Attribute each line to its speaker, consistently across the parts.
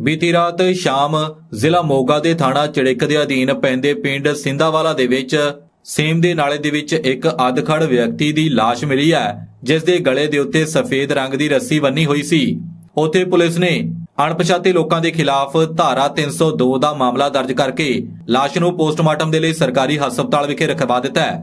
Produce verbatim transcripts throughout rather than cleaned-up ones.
Speaker 1: बीती रात शाम जिला मोगा के थाना चिड़िक के अधीन पैंदे पिंड सिंधावाला दे विच सेम दे नाले दे विच एक अधखड़ व्यक्ति की लाश मिली है, जिस दे गले दे उत्ते सफेद रंग की रस्सी बन्नी हुई सी। उत्थे पुलिस ने अणपछाते लोगों के खिलाफ धारा तीन सौ दो का मामला दर्ज करके लाश नूं पोस्टमार्टम के लिए सरकारी हस्पताल विखे रखवा दिता है।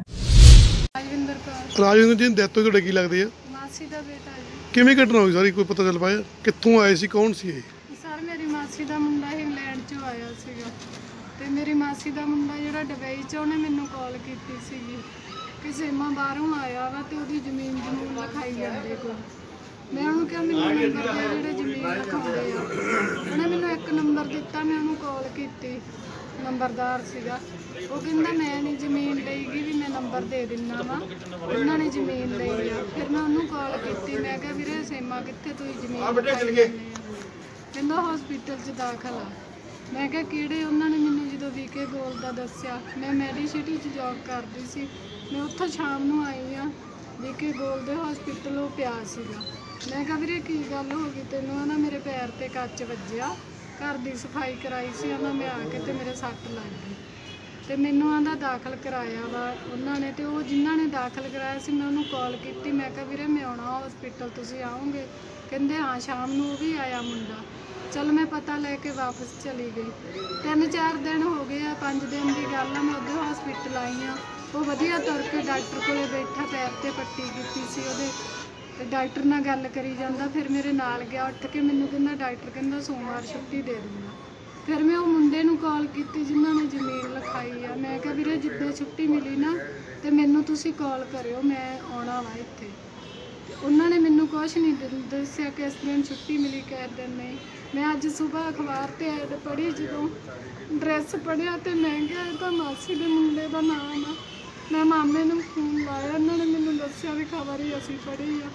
Speaker 2: राजविंदर जी डेथ तो की लगती है?
Speaker 3: मासी दा बेटा जी।
Speaker 2: किवें घटना हुई सारी कोई पता चल पाया? कित्थों आए सी, कौन सी?
Speaker 3: सर मेरी मासी दा मुंडा इंग्लैंड चों आया सीगा ते मेरी मासी दा मुंडा जिहड़ा दुबई च उहने मैनूं कॉल कीती सीगी कि सेमा बाहरों आया वा ते ओहदी जमीन जमून लिखाई जांदे कोई। मैं उहनूं कहा मैनूं नंबर दे जिहड़े जमीन लिखाउंदे आ। उहने मैनूं एक नंबर दित्ता, मैं उहनूं कॉल कीती, नंबरदार सीगा। वो कहंदा मैं नहीं जमीन लईगी भी मैं नंबर दे दिन्ना वा, उन्होंने जमीन लई आ। फिर मैं उन्होंने कॉल की, मैं कहा वीरे सेमा कित्थे तुसीं जमीन कहंदा हॉस्पिटल च दाखल आ। मैं कहा किहड़े? उन्होंने मैनूं जदों वीके गोल दा दस्सिया, मैं मैਡੀਸਿਟੀ च जॉब करदी सी, मैं उत्थों शाम नूं आई आ, वीके गोल दे हॉस्पिटल वो पिया सीगा। मैं कहा वीरे की गल हो गई तैनूं? आना मेरे पैर ते कच वज्जिया, घर दी सफाई कराई सी, आना मैं आके ते मेरे सੱਟ लग गई ते मैनूं आंदा दाखल कराया वा उन्होंने। तो वो जिन्हों ने दाखल कराया सी मैं उन्होंने कॉल की, मैं कहा वीरे मैं आउणा हॉस्पिटल, तुसीं आओगे? कहंदे हाँ शाम नूं वो भी आया मुंडा। चल मैं पता लैके वापस चली गई। तीन चार दिन हो गए आ, पाँच दिन की गल आ, मैं उधर हॉस्पिटल आई हाँ। वो वधिया तुर के डॉक्टर कोले बैठा, पैर ते पट्टी कीती सी ओहदे ते डॉक्टर नाल गल करी जांदा। फिर मेरे नाल गया उठ के, मैनूं कहंदा डॉक्टर कहंदा सोमवार छुट्टी दे दूँगा। फिर मैं वो मुंडे नूं कॉल की जिन्होंने जमीन लिखाई आ। मैं कहा वीरे जिद्दां छुट्टी मिली ना तो मैनूं तुसीं कॉल करियो, मैं आउणा वा इत्थे। उन्होंने मैनूं कुछ नहीं दस्सिया किस दिन छुट्टी मिली, किस दिन नहीं। मैं अज सुबह अखबार ते ऐड पढ़ी, जदों ड्रैस पढ़िया तो मैं क्या ये तो मासी दे मुंडे दा नाम आ। मैं मामे नूं फोन लाया, उन्होंने मैनूं दस्सिया भी खबर ही असीं पढ़ी आ।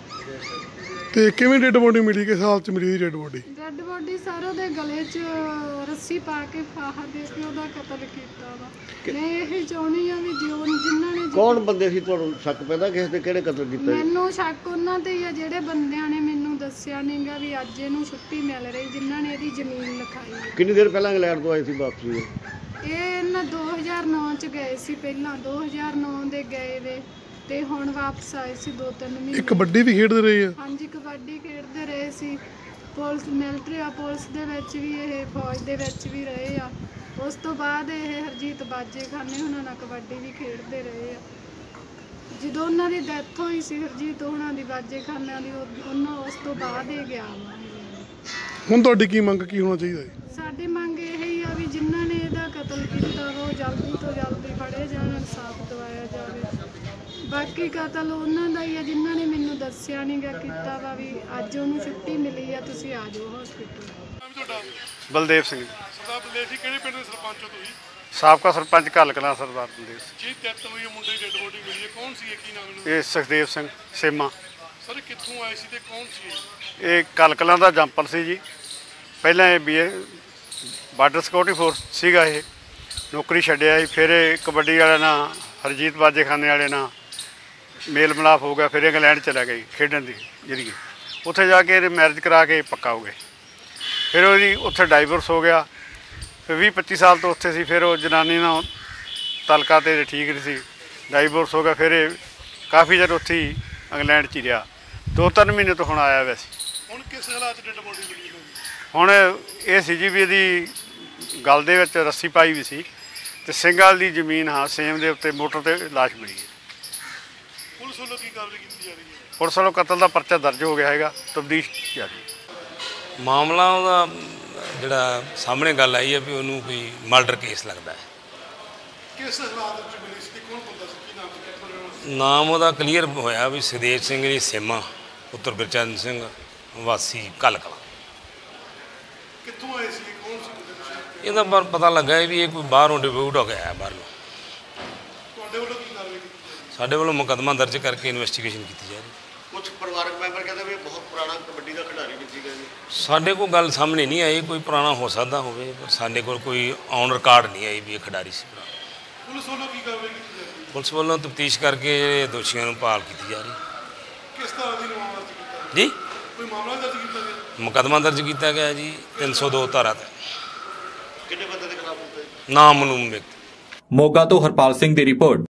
Speaker 2: ते किवें डेड बॉडी मिली? किस हालत च मिली dead body?
Speaker 3: Dead body sir उहदे गले च रस्सी पा के फाहा दे के उहदा कतल कीता वा। मैं यही चाहुंदी आ भी जो जिन्हां ने
Speaker 4: कौन बंदे सी तुहानूं शक पैदा किस ते किहड़े कतल कीता?
Speaker 3: मैनूं शक उन्हां ते ही आ जिहड़े बंदियां ने मैनूं दस्सिया नहींगा भी अज इहनूं छुट्टी मिल रही, जिन्हां ने इहदी जमीन लिखाई है।
Speaker 4: किन्नी देर पहलां इंग्लैंड तो आए सी वापसी?
Speaker 3: ਇਹ ਨਾ दो हज़ार नौ ਚ ਗਏ ਸੀ, ਪਹਿਲਾਂ दो हज़ार नौ ਦੇ ਗਏ ਵੇ ਤੇ ਹੁਣ ਵਾਪਸ ਆਏ ਸੀ ਦੋ ਤਿੰਨ ਮਹੀਨੇ।
Speaker 2: ਕਬੱਡੀ ਵੀ ਖੇਡਦੇ ਰਹੇ ਆ?
Speaker 3: ਹਾਂਜੀ ਕਬੱਡੀ ਖੇਡਦੇ ਰਹੇ ਸੀ, ਪੁਲਿਸ ਮਿਲਟਰੀ ਆ, ਪੁਲਿਸ ਦੇ ਵਿੱਚ ਵੀ ਇਹ ਫੌਜ ਦੇ ਵਿੱਚ ਵੀ ਰਹੇ ਆ। ਉਸ ਤੋਂ ਬਾਅਦ ਇਹ ਹਰਜੀਤ ਬਾਜੇ ਖਾਨੇ ਉਹਨਾਂ ਨਾਲ ਕਬੱਡੀ ਵੀ ਖੇਡਦੇ ਰਹੇ ਆ। ਜਦੋਂ ਉਹਨਾਂ ਦੀ ਡੈਥ ਹੋਈ ਸੀ ਹਰਜੀਤ ਉਹਨਾਂ ਦੀ ਬਾਜੇ ਖਾਨਿਆਂ ਦੀ, ਉਹਨਾਂ ਉਸ ਤੋਂ ਬਾਅਦ ਇਹ ਗਿਆ ਵਾ।
Speaker 2: ਹੁਣ ਤੁਹਾਡੀ ਕੀ ਮੰਗ ਕੀ ਹੋਣਾ ਚਾਹੀਦਾ ਹੈ?
Speaker 3: ਸਾਡੀ ਮੰਗ ਇਹ ਹੀ ਆ ਵੀ ਜਿਨ੍ਹਾਂ ਨੇ ਇਹਦਾ ਕਤਲ ਕੀਤਾ ਉਹ ਜਲਦੀ ਤੋਂ ਜਲਦੀ ਫੜੇ ਜਾਣ, ਇਨਸਾਫ ਦਿਵਾਇਆ ਜਾਵੇ। ਬਾਕੀ ਕਤਲ ਉਹਨਾਂ ਦਾ ਹੀ ਆ ਜਿਨ੍ਹਾਂ ਨੇ ਮੈਨੂੰ ਦੱਸਿਆ ਨਹੀਂ ਗਾ ਕੀਤਾ ਵਾ ਵੀ ਅੱਜ ਉਹਨੂੰ ਛੁੱਟੀ ਮਿਲੀ ਆ, ਤੁਸੀਂ ਆ ਜਾਓ ਹਸਪੀਟਲ।
Speaker 5: ਬਲਦੇਵ ਸਿੰਘ।
Speaker 2: ਸਰਦਾਰ ਬਲਦੇਵ ਜੀ ਕਿਹੜੇ ਪਿੰਡ ਦੇ ਸਰਪੰਚ ਹੋ ਤੁਸੀਂ?
Speaker 5: ਸਾਬਕਾ ਸਰਪੰਚ ਘੱਲ ਕਲਾਂ ਸਰਦਾਰ ਬਲਦੇਵ ਸਿੰਘ।
Speaker 2: ਜੀ ਡੈਥ ਹੋਈ ਹੈ, ਮੁੰਡੇ ਦੀ ਡੈਡ ਬੋਡੀ ਮਿਲੀ ਹੈ, ਕੌਣ ਸੀ? ਕੀ ਨਾਮ ਹੈ?
Speaker 5: ਇਹ ਸੁਖਦੇਵ ਸਿੰਘ ਸੇਮਾ।
Speaker 2: ਸਰ ਕਿੱਥੋਂ ਆਏ ਸੀ ਤੇ ਕੌਣ ਸੀ?
Speaker 5: ਇਹ ਘੱਲ ਕਲਾਂ ਦਾ ਜੰਪਲ ਸੀ ਜੀ। ਪਹਿਲਾਂ ਇਹ ਬੀ ਬਾਰਡਰ ਸਿਕਿਉਰਿਟੀ ਫੋਰਸ ਸੀਗਾ, ਇਹ ਨੌਕਰੀ ਛੱਡਿਆ ਸੀ। ਫਿਰ ਇਹ ਕਬੱਡੀ ਵਾਲਿਆਂ ਨਾਲ, ਹਰਜੀਤ ਬਾਜੇ ਖਾਨੇ ਵਾਲੇ ਨਾਲ ਮੇਲ ਮਿਲਾਪ ਹੋ ਗਿਆ। ਫਿਰ ਇੰਗਲੈਂਡ ਚਲਾ ਗਈ ਖੇਡਣ ਦੀ ਜਿਹੜੀ, ਉੱਥੇ ਜਾ ਕੇ ਇਹਦੇ ਮੈਰਿਜ ਕਰਾ ਕੇ ਪੱਕਾ ਹੋ ਗਏ। ਫਿਰ ਉਹਦੀ ਉੱਥੇ ਡਾਈਵੋਰਸ ਹੋ ਗਿਆ। ਫਿਰ ਵੀਹ ਪੱਚੀ ਸਾਲ ਤੋਂ ਉੱਥੇ ਸੀ। ਫਿਰ ਉਹ ਜਨਾਨੀ ਨਾਲ ਤਲਕਾ ਤੇ ਠੀਕ ਨਹੀਂ ਸੀ, ਡਾਈਵੋਰਸ ਹੋ ਗਿਆ। ਫਿਰ ਇਹ ਕਾਫੀ ਚਿਰ ਉੱਥੇ ਹੀ ਇੰਗਲੈਂਡ 'ਚ ਹੀ ਰਿਹਾ, ਦੋ ਤਿੰਨ ਮਹੀਨੇ ਤੋਂ ਹੁਣ ਆਇਆ ਵੈਸੇ।
Speaker 2: ਹੁਣ ਕਿਸ ਹਾਲਾਤ 'ਚ ਡੈਡ ਬੋਡੀ ਮਿਲੀ?
Speaker 5: ਹੁਣ ਇਹ ਸੀ ਜੀ ਵੀ ਇਹਦੀ ਗਲ ਦੇ ਵਿੱਚ ਰੱਸੀ ਪਾਈ ਵੀ ਸੀ ਤੇ ਸਿੰਘਾਲ ਦੀ ਜ਼ਮੀਨ, ਹਾਂ ਸੇਮ ਦੇ ਉੱਤੇ ਮੋਟਰ ਤੇ ਲਾਸ਼ ਮਿਲੀ ਹੈ।
Speaker 2: ਪੁਲਿਸ ਵੱਲੋਂ ਕੀ ਕਾਰਵਾਈ ਕੀਤੀ ਜਾ ਰਹੀ ਹੈ?
Speaker 5: ਪੁਲਿਸ ਵੱਲੋਂ ਕਤਲ ਦਾ ਪਰਚਾ ਦਰਜ ਹੋ ਗਿਆ ਹੈਗਾ, ਤਬਦੀਸ਼ ਜਾਰੀ।
Speaker 6: ਮਾਮਲਾ ਉਹਦਾ ਜਿਹੜਾ ਸਾਹਮਣੇ ਗੱਲ ਆਈ ਹੈ ਵੀ ਉਹਨੂੰ ਕੋਈ ਮਰਡਰ ਕੇਸ ਲੱਗਦਾ ਹੈ।
Speaker 2: ਕਿਸ ਹਾਲਾਤ 'ਚ ਮਿਲੀ ਸੀ? ਕੌਣ ਬੰਦਾ ਸੀ? ਕੀ ਨਾਮ ਸੀ? ਕਿੱਥੋਂ?
Speaker 6: ਨਾਮ ਉਹਦਾ ਕਲੀਅਰ ਹੋਇਆ ਵੀ ਸੁਖਦੇਵ ਸਿੰਘ ਜੀ ਸੇਮਾ, ਪੁੱਤਰ ਗੁਰਚਰਨ ਸਿੰਘ, ਵਾਸੀ ਘੱਲ ਕਲਾਂ।
Speaker 2: ਕਿੱਥੋਂ ਆਏ ਸੀ? ਕੌਣ ਸੀ?
Speaker 6: ਇਹਦਾ ਪਰ ਪਤਾ ਲੱਗਾ ਵੀ ਇਹ ਕੋਈ ਬਾਹਰੋਂ ਡਿਬਿਊਟ ਹੋ ਗਿਆ ਬਾਹਰ ਨੂੰ।
Speaker 2: ਤੁਹਾਡੇ ਵੱਲੋਂ ਕੀ ਕਾਰਵਾਈ ਕੀਤੀ ਜਾ ਰਹੀ?
Speaker 6: ਸਾਡੇ ਵੱਲੋਂ ਮੁਕੱਦਮਾ ਦਰਜ ਕਰਕੇ ਇਨਵੈਸਟੀਗੇਸ਼ਨ ਕੀਤੀ ਜਾ ਰਹੀ।
Speaker 4: ਕੁਝ ਪਰਿਵਾਰਕ ਮੈਂਬਰ ਕਹਿੰਦੇ ਵੀ ਬਹੁਤ ਪੁਰਾਣਾ ਕਬੱਡੀ ਦਾ ਖਿਡਾਰੀ ਵੀ ਸੀਗਾ ਜੀ।
Speaker 6: ਸਾਡੇ ਕੋਲ ਗੱਲ ਸਾਹਮਣੇ ਨਹੀਂ ਆਈ, ਕੋਈ ਪੁਰਾਣਾ ਹੋ ਸਕਦਾ ਹੋਵੇ, ਪਰ ਸਾਡੇ ਕੋਲ ਕੋਈ ਔਨ ਰਿਕਾਰਡ ਨਹੀਂ ਆਈ ਵੀ ਇਹ ਖਿਡਾਰੀ ਸੀ ਪੁਰਾਣਾ।
Speaker 2: ਪੁਲਿਸ ਵੱਲੋਂ ਕੀ ਕਾਰਵਾਈ ਕੀਤੀ ਜਾ ਰਹੀ ਹੈ?
Speaker 6: ਪੁਲਿਸ ਵੱਲੋਂ ਤਫਤੀਸ਼ ਕਰਕੇ ਦੋਸ਼ੀਆਂ ਨੂੰ ਭਾਲ ਕੀਤੀ ਜਾ ਰਹੀ।
Speaker 2: ਕਿਸ ਤਰ੍ਹਾਂ ਦੀ ਮਾਮਲਾ ਸੀ?
Speaker 6: ਜੀ
Speaker 2: ਕੋਈ ਮਾਮਲਾ ਦਰਜ ਕੀਤਾ ਗਿਆ?
Speaker 6: ਮੁਕੱਦਮਾ ਦਰਜ ਕੀਤਾ ਗਿਆ ਜੀ ਤਿੰਨ ਸੌ ਦੋ ਧਾਰਾ ਤੇ।
Speaker 4: ਕਿੰਨੇ ਬੰਦੇ ਦੇ ਖਿਲਾਫ ਹੁੰਦਾ ਜੀ?
Speaker 6: ਨਾਮ ਮਲੂਮ ਵਿਅਕਤੀ।
Speaker 1: ਮੋਗਾ ਤੋਂ ਹਰਪਾਲ ਸਿੰਘ ਦੀ ਰਿਪੋਰਟ।